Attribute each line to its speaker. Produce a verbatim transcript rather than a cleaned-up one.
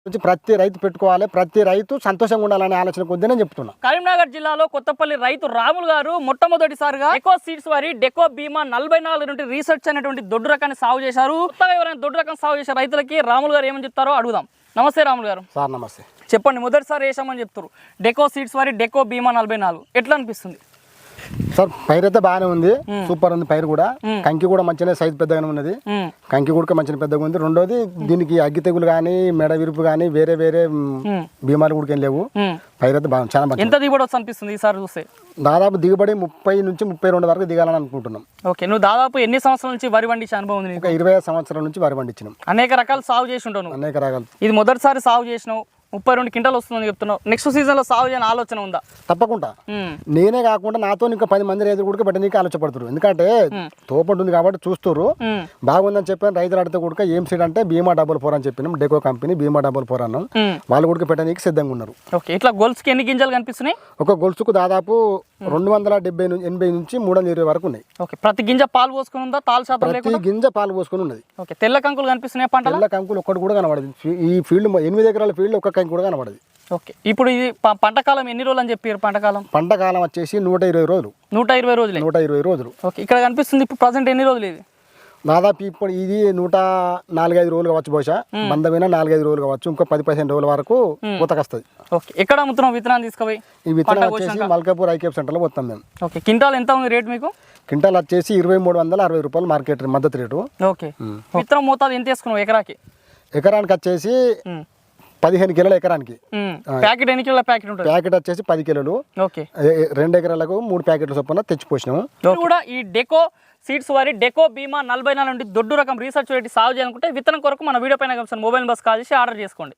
Speaker 1: ప్రతి రైతు పెట్టుకోవాలి, ప్రతి రైతు సంతోషంగా ఉండాలనే ఆలోచన కొద్దీ నేను చెప్తున్నా.
Speaker 2: కరీంనగర్ జిల్లాలో కొత్తపల్లి రైతు రాములు గారు మొట్టమొదటిసారిగా డెకో సీడ్స్ వారి డెకో బీమా నలభై నాలుగు నుండి రీసెర్చ్ అనేటువంటి దొడ్డు రకాన్ని సాగు చేశారు. కొత్తగా ఎవరైనా దొడ్డు రకం సాగు చేసే రైతులకి రాములు గారు ఏమని చెప్తారో అడుగుదాం. నమస్తే రాములు గారు.
Speaker 1: సార్ నమస్తే.
Speaker 2: చెప్పండి, మొదటిసారి వేసామని చెప్తారు డెకో సీడ్స్ వారి డెకో బీమా నలభై నాలుగు ఎట్లా అనిపిస్తుంది
Speaker 1: సార్? పైరు అయితే బాగానే ఉంది, సూపర్ ఉంది పైరు కూడా. కంకి కూడా మంచిగా సైజ్ పెద్దగానే ఉన్నది, కంకి కూడా మంచిగా పెద్దగా ఉంది. రెండోది దీనికి అగ్గి తెగులు కానీ మెడ విరుపు కానీ వేరే వేరే బీమాలు కూడా ఏం లేవు. పైరు అయితే బాగా చాలా మంచి.
Speaker 2: ఎంత దిగుబడి వస్తుంది అనిపిస్తుంది ఈసారి చూస్తే?
Speaker 1: దాదాపు దిగుబడి ముప్పై నుంచి ముప్పై రెండు వరకు దిగాలని అనుకుంటున్నాం.
Speaker 2: ఓకే, నువ్వు దాదాపు ఎన్ని సంవత్సరాల నుంచి వరి పండించే అనుభవం ఉంది?
Speaker 1: ఒక ఇరవై సంవత్సరాల నుంచి వరి పండించినాం.
Speaker 2: అనేక రకాలు సాగు చేసి ఉంటాను.
Speaker 1: అనేక రకాలు.
Speaker 2: ఇది మొదటిసారి సాగు చేసినావు, ముప్పై రెండు క్వింటాలు వస్తుందని చెప్తున్నావు. నెక్స్ట్ సీజన్ లో సాగు చేయని ఆలోచన ఉందా?
Speaker 1: తప్పకుండా. నేనే కాకుండా నాతో ఇంకా పది మంది రైతులు కూడా పెట్టడానికి ఆలోచపడుతున్నారు. ఎందుకంటే తోపంటు ఉంది కాబట్టి చూస్తారు. బాగుందని చెప్పాను. రైతులు అడితే కూడా ఏం సీడ్ అంటే బీమా డబుల్ ఫోర్ అని చెప్పినాం. డెకో కంపెనీ బీమా డబుల్ ఫోర్ అన్నాం. వాళ్ళు కూడా పెట్టడానికి సిద్ధంగా ఉన్నారు.
Speaker 2: ఓకే, ఇట్లా గొలుసుకి ఎన్ని గింజలు కనిపిస్తున్నాయి?
Speaker 1: ఒక గొలుసుకు దాదాపు రెండు వందల డెబ్బై ఎనభై నుంచి మూడు వందల ఇరవై వరకు ఉన్నాయి.
Speaker 2: ఓకే, ప్రతి గింజ పాలు పోసుకుని ఉందా? తాలు శాతం
Speaker 1: ప్రతి గింజ పాలు పోసుకుని ఉన్నది.
Speaker 2: ఓకే, తెల్ల కంకులు కనిపిస్తున్నాయి. పంట
Speaker 1: తెల్ల కంకులు ఒక్కటి కూడా కనబడదు. ఈ ఫీల్డ్ ఎనిమిది ఎకరాల ఫీల్డ్ ఒక్క కంకి కూడా కనబడదు.
Speaker 2: ఓకే, ఇప్పుడు ఇది పంట కాలం ఎన్ని రోజులు అని చెప్పారు? పంట కాలం
Speaker 1: పంట కాలం వచ్చేసి నూట ఇరవై రోజులు.
Speaker 2: నూట ఇరవై రోజులు
Speaker 1: నూట ఇరవై రోజులు.
Speaker 2: ఓకే, ఇక్కడ కనిపిస్తుంది. ఇప్పుడు ప్రజెంట్ ఎన్ని రోజులు ఇది?
Speaker 1: దాదాపు ఇప్పుడు ఇది నూట నాలుగైదు రోజులు కావచ్చు. బహుశా బంధమైన నాలుగైదు రోజులు కావచ్చు. ఇంకో పది పదిహేను రోజుల వరకు పూతకొస్తుంది.
Speaker 2: ఓకే, ఎక్కడ అమ్ముతున్నాం విత్తనాలు తీసుకుపోయి?
Speaker 1: ఈ విత్తనాలు వచ్చేసి మల్కాపూర్ ఐకేప్ సెంటర్లో పోతాం మేము.
Speaker 2: ఓకే, క్వింటాల్ ఎంత ఉంది రేట్ మీకు?
Speaker 1: క్వింటాల్ వచ్చేసి ఇరవై మూడు వందల అరవై రూపాయలు మార్కెట్ మద్దతు రేటు.
Speaker 2: ఓకే, విత్తనం మోతాదు ఎంత వేసుకున్నావు ఎకరాకి?
Speaker 1: ఎకరానికి వచ్చేసి పదిహేను కిలోల ఎకరానికి.
Speaker 2: ప్యాకెట్ ఎన్ని కిలోల ప్యాకెట్ ఉంటుంది?
Speaker 1: ప్యాకెట్ వచ్చేసి పది కిలోలు.
Speaker 2: ఓకే,
Speaker 1: రెండు ఎకరాలకు మూడు ప్యాకెట్ల చొప్పున తెచ్చిపోసినాము.
Speaker 2: కూడా ఈ డెకో సీడ్స్ వారి డెకో బీమా నలభై నాలుగు నుండి దొడ్డు రకం రీసెర్చ్ పెట్టి సాగు చేయాలనుకుంటే విత్తనం కొరకు మన వీడియో పైన మొబైల్ బస్ కాల్ చేసి ఆర్డర్ చేసుకోండి.